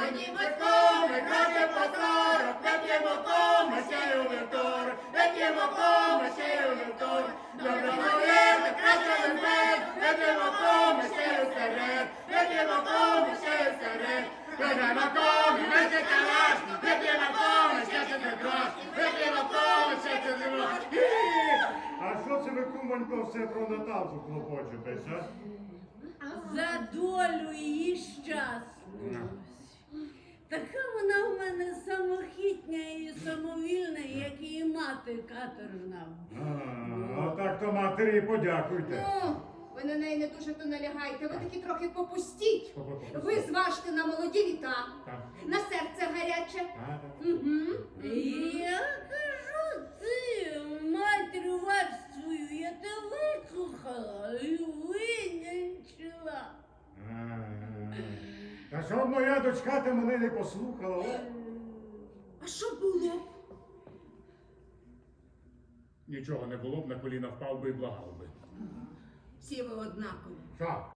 Ходімо, ми кроки по 40, вип'ємо кому ще й у вівторок, вип'ємо кому ще й у вівторок. Доброго літа, краще везмет, вип'ємо кому ще й у серед, вип'ємо кому ще й у серед. Вип'ємо кому, ми ще калаш, вип'ємо кому ще й за грош, вип'ємо кому ще й за грош. А що це ви, кумонько, все про Наталку клопочетесь, а? За долю її щасливу. Така вона в мене самохітня і самовільна, як її мати каторжна. А так то матері і подякуйте. Ну, ви на неї не дуже то налягайте, ви таки трохи попустіть. Попустіть. Ви зважте на молоді літа, Так. на серце гаряче. А, Я кажу, ти, матір вашою, я тебе вислухала і винянчила. Та щоб моя дочка ти мене не послухала, о? А що було? Нічого не було б, на коліна впав би і благав би. Всі ви однакові. Що?